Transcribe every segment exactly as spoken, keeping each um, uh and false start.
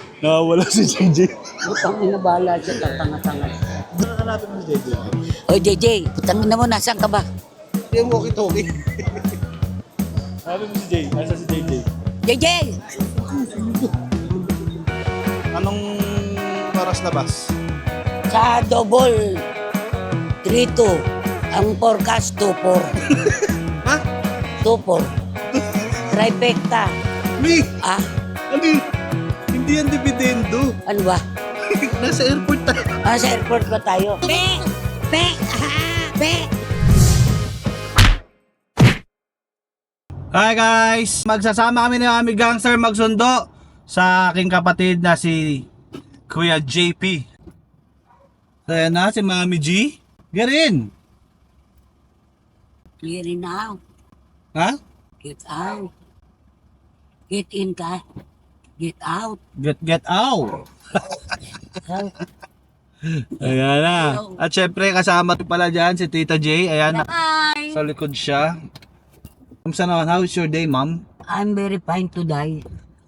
Nakawala si J J. Putang ina, bahala siya, tatanga-tanga. Hanapin mo si J J. O J J, putang ina mo, nasaan ka ba? Yung walkie-talkie. Hanapin mo si J. Asa si J J? J J! Anong oras labas? Sa double, three two. Ang forecast, two four. Ha? two four. Trifecta. Me? Ah, Ano yun? Hindi yan dividendo. ano ba? Nasa airport tayo. Ah, sa airport ba tayo? Pe! Pe! Ah, pe! Hi guys! Magsasama kami ni Mami Gangster magsundo sa aking kapatid na si Kuya J P. Kaya na si Mami G. Garin! Clear it now. Ha? Get out. Get in ka. Get out. Get get out! Ayan na. At syempre kasama pala dyan si Tita J. Ayan na. Hi! Sa likod siya. Kamusta naman? How is your day, ma'am? I'm very fine to die.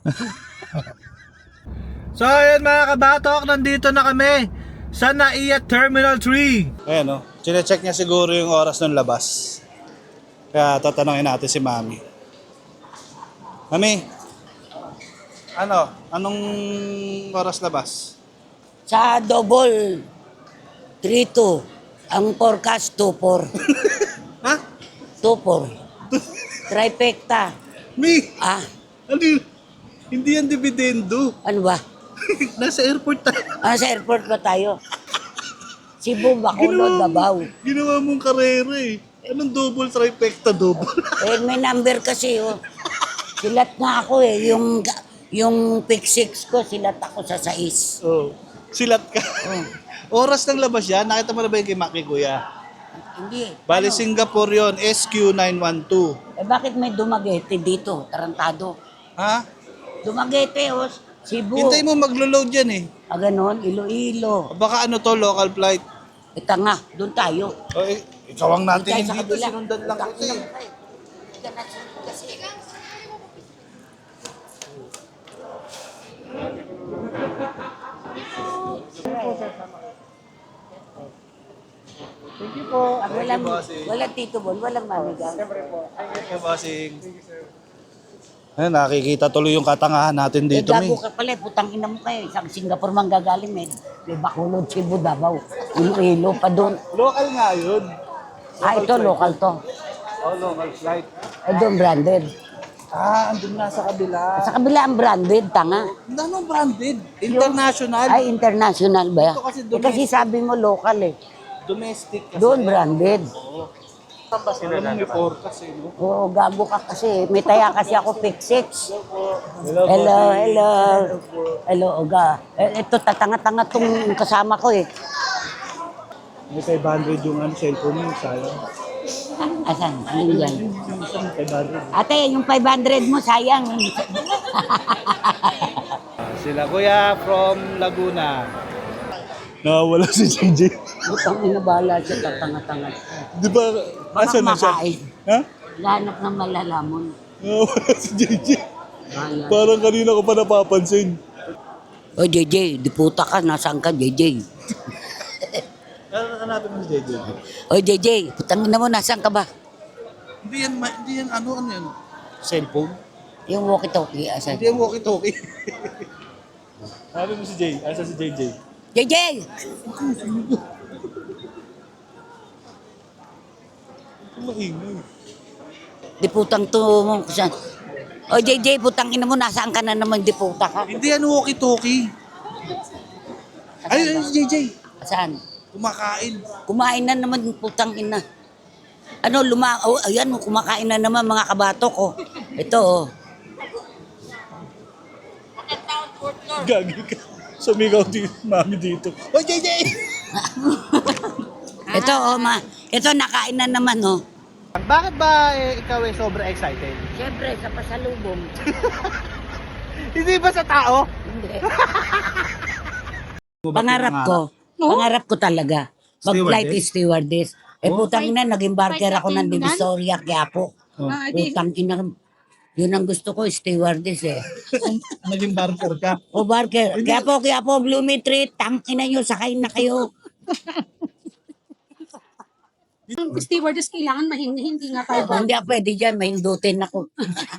So ayan mga kabatok, nandito na kami sa Naiya Terminal three. Ayan o, chinecheck niya siguro yung oras ng labas. Kaya tatanungin natin si Mami. Mami, ano? Anong oras labas? Sa double, three two. Ang forecast, two four. Ha? two four. Trifecta. Mi, Ah, ano yun? Hindi yan dividendo. ano ba? Nasa airport tayo. Ah, sa airport ba tayo? Cebu, Bacolod, Davao. Ginawa mong karera eh. Anong double trifecta double? Eh, may number kasi, oh. Silat nga ako eh. Yung, yung pick six ko, silat ako sa sais. Oh, silat ka. Oh. Oras ng labas yan, nakita mo na ba yung kay Maki Kuya? Hindi. Bali Ano? Singapore yon, S Q nine one two. Eh, bakit may Dumaguete dito? Tarantado. Ha? Dumaguete, oh. Cebu. Hintay mo maglo-load yan eh. Ah, ganon. Iloilo. Baka ano to, local flight. Ito nga, doon tayo. O, eh, ikaw ang natin Doon tayo dito, sa kabila. sinundan lang Doon kita tayo. eh. Ika na, sunod kasi. Thank you po. Ah, walang, walang Tito Bon, walang manigang. Thank you, bossing. Ayun, nakikita tuloy yung katangahan natin Eh, dito, gago Mi. ka pala, eh, putang ina mo kayo. Isang Singapore man gagaling, may, may Bacolod, Cebu, Davao. Iloilo pa doon. Local nga yun. Ah, ito, local to. Oh, local flight. Eh, doon branded. Ah, andun na sa kabila. Sa kabila ang branded, tanga. Ano branded? International. Ay, international ba? Ito kasi Eh, kasi sabi mo local eh. Domestic kasi. Doon branded. Alam mo may forecast eh, no? Oo, gago ka kasi. May taya kasi ako pick six. Hello, hello. Hello, Oga. Eh, ito, tatanga-tanga tong kasama ko eh. May five hundred yung ano, cellphone mo, sayang. Ah, asan? Alin yan? five hundred. Ate, yung five hundred mo, sayang. Sila kuya from Laguna. Nakawala si J J. Butang ina, bahala siya, tatanga-tanga. Di ba, Baka asan na siya? kumakain. Ha? Lahanap ng malalamon. Nakawala si J J. Bahala. Parang kanina ko pa napapansin. O, J J, di puta ka. Nasaan ka, J J? Hanapin mo si J J. O, J J, putang ina mo, nasaan ka ba? Hindi yan, ma- hindi yan, ano, ano yan? Cellphone? Yung walkie-talkie, asan? Hindi yan walkie-talkie. Hanapin mo si J. Asa si J J? J J! Maingay. Di putang to mo. Saan? O, J J, putang ina mo, nasaan ka na naman, di puta ka? Hindi yan walkie-talkie. Ayun, ayun si J J. Saan? Kumakain. Kumain na naman, putang ina. Ano, luma... Oh, ayan, kumakain na naman mga kabatok, oh. Ito, oh. Gagi ka. Sumigaw di mami dito. Oh, J J! Ito, oh, ma. Ito, nakain na naman, oh. Bakit ba eh, ikaw eh sobra excited? Siyempre, sa pasalubong. Hindi ba sa tao? Hindi. Pangarap ko. Pangarap ko talaga. Mag-flight stewardess. Eh, putang ina, naging barker ako ng Divisoria, Quiapo. Oh. Putang ina. Yun ang gusto ko, stewardess eh. Naging barker ka. O Barker, kaya po, kaya po, Blooming Tree, tangina nyo, sakay na kayo. Ang stewardess kailangan mahingi, hindi nga tayo. Hindi ako pwede dyan, may hindutin ako.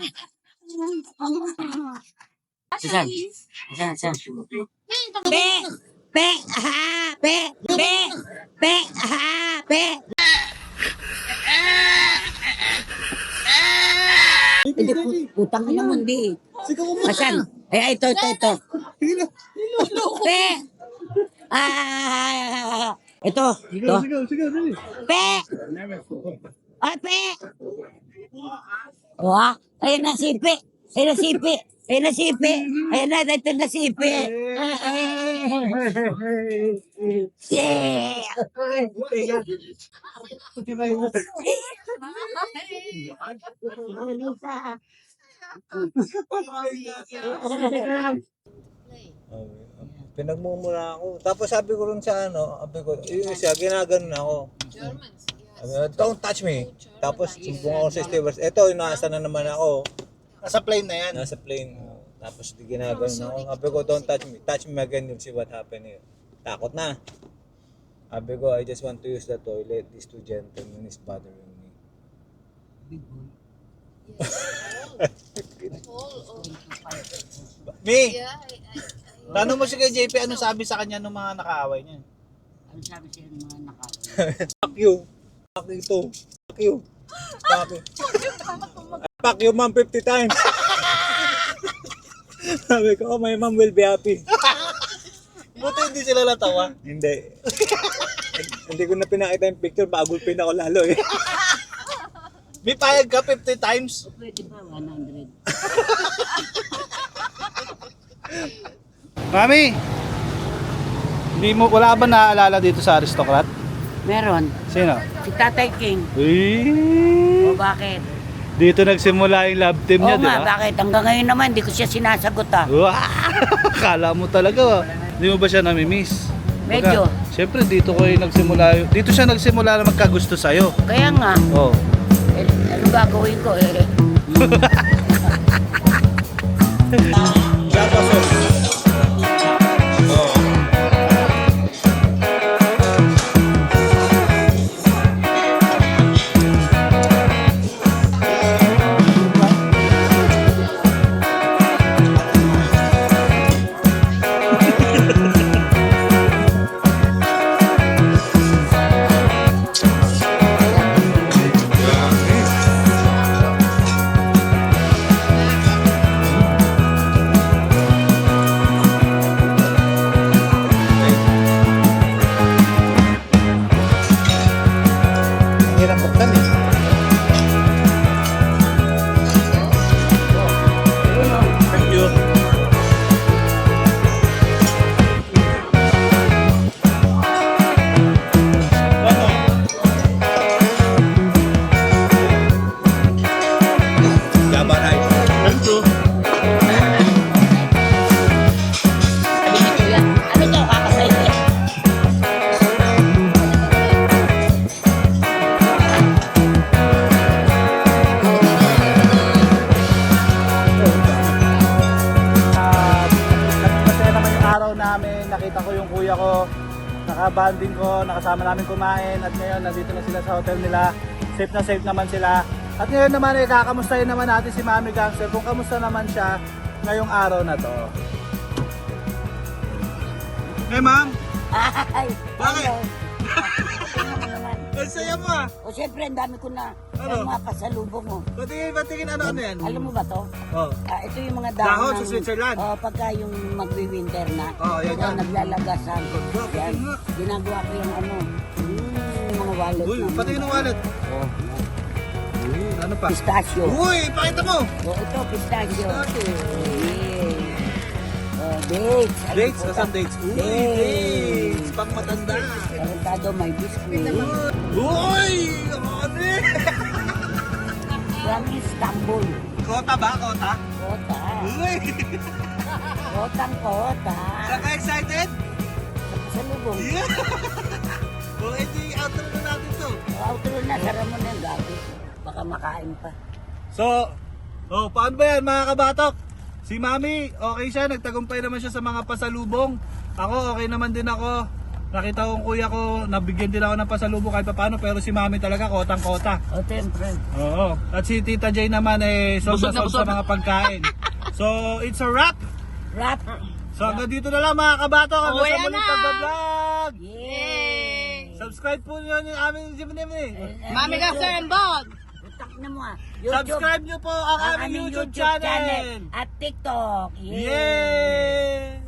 Saan? Saan? Saan? Pe! Pe! Ha! Pe! Pe! Pe! Ha! Pe! Hindi, pu- putang ina mo, hindi. Asan? Ay, ito, ito, ito. Pe! Ah! Ito, ito. Pe! Ay, pe! Wah, ayun na si Pe. Ayun na si Pe. Ayun na si Pe. Ayun na, ito na si Pe. Yeah. Pinagmumura ako. Tapos sabi ko rin sa ano, sabi ko, yung isa, ginaganon ako. Sabi ko, don't touch me. Tapos sumbong ako sa stewardess. Eto, nasa na naman ako. Nasa plane na yan. Nasa plane. Tapos di ginaganon ako. Sabi ko, don't touch me. Touch me again, you'll see what happen here. Takot na. Sabi ko, I just want to use the toilet. These two gentlemen is bothering me. Mi! Tanong mo si kay J P, ano sabi sa kanya nung mga nakaaway niya? Ano sabi siya ng mga nakawin? Fuck you. Fuck you too. Fuck you. Fuck you. Fuck you, ma'am, fifty times. Sabi ko, oh, my mom will be happy. Buti hindi sila natawa. Hindi. Hindi ko na pinakita yung picture, bagulpin ako lalo eh. May payag ka fifty times. Pwede ba? one hundred. Mami! Hindi mo, wala ba naaalala dito sa Aristocrat? Meron. Sino? Si Tatay King. Uy! O bakit? Dito nagsimula yung love team niya, Oo di nga, ba? bakit? Hanggang ngayon naman, hindi ko siya sinasagot ah. Wow! Kala mo talaga. Hindi mo ba siya namimiss? Medyo. Baga, Siyempre dito ko yung nagsimula. Dito siya nagsimula na magkagusto sa'yo. Kaya nga, Oh. eh, ano gagawin ko eh? Ang hirap buktan eh. Thank you. Gabaray. Thank you. Sabi ni Kuya, ano to, kakasay niya? Ah, masaya naman yung araw namin. Nakita ko yung kuya ko. Nakabanding ko, nakasama namin kumain. At ngayon, nandito na sila sa hotel nila. Safe na safe naman sila. At ngayon naman, eh, kakamustahin naman natin si Mami Gangster kung kamusta naman siya ngayong araw na to. Hey, ma'am! Ay, Bakit? ano? Ano naman? Ang saya mo ah! O syempre, ang dami ko na Ano? yung mga pasalubong mo. Batingin, batingin, ano-ano yan? Alam mo ba to? Oh. Ah, ito yung mga dahon, Dahon sa ng- Switzerland. Oh, pagka yung magwi-winter na. Oh, yan, ito, yan. naglalagasan. Ganda, Yan. nga. Ginagawa ko yung ano, mm, yung mga wallet. Uy, namin. patingin ng wallet. Oh, Uy, ano pa? pistachio. Uy, pakita mo! Oh, ito, pistachio. Pistachio. Yeah. Oh, dates. Alam Dates? ko, Asan dates? Uy, Dates. dates! Pang matanda. Tarantado, may biscuit. Uy! Ate! From Istanbul. Kota ba? Kota? Kota. Uy! Kotang kota. Saan ka excited? Sa lubong. Yeah! O, edi outro na natin to. Outro na, sara mo na yung gabi. Baka makain pa. So, Oh, paano ba yan mga kabatok? Si Mami, okay siya, nagtagumpay naman siya sa mga pasalubong. Ako, okay naman din ako. Nakita ko yung kuya ko, nabigyan din ako ng pasalubong kahit paano, pero si Mami talaga kotang-kota. O, siyempre. Oo. At si Tita Jay naman eh, solve na solve sa mga pagkain. So, it's a wrap. Rap. So, hanggang dito na lang mga kabatok. Hanggang Uwi sa muling na. pag-vlog. Yay! Subscribe po nyo yung aming Jimmy. Mami ka sir and bog. Utak na mo ah. Subscribe nyo po ang ang aming YouTube channel. At TikTok. Yay! Yay!